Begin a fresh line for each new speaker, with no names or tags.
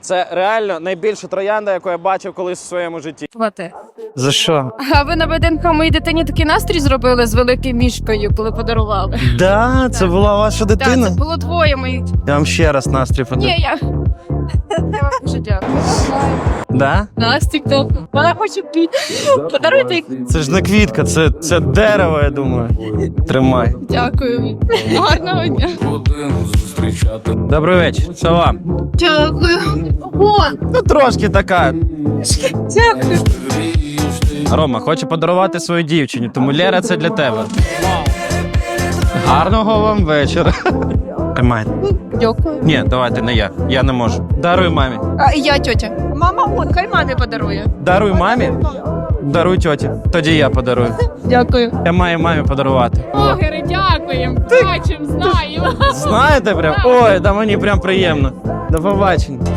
Це реально найбільша троянда, яку я бачив колись у своєму житті.
За що?
А ви на ВДНХ моїй дитині такий настрій зробили з великою мішкою, коли подарували?
Да, це була ваша
Так,
дитина?
це було двоє моїх.
Я вам ще раз настрій подарую.
Ні, я вам дуже дякую.
Да?
Настік, то вона хоче піти. Подаруйте.
Це ж не квітка, це дерево, я думаю. Тримай.
Дякую. Гарного дня.
Добрий вечір. Що вам?
Дякую. О,
Ну, трошки така.
дякую.
Рома хоче подарувати своїй дівчині, тому Лера, це для тебе. Гарного вам вечора. Тримайте.
Дякую.
Ні, давайте не я. Я не можу. Даруй мамі.
А я тьотя. Мама, от, хай мамі подарує.
Даруй мамі. Даруй тьоті. Тоді я подарую.
Дякую.
Я маю мамі подарувати.
Блогери, дякуємо. Бачимо, знаємо.
Знаєте прям? Ой, да мені прям приємно. До побачення.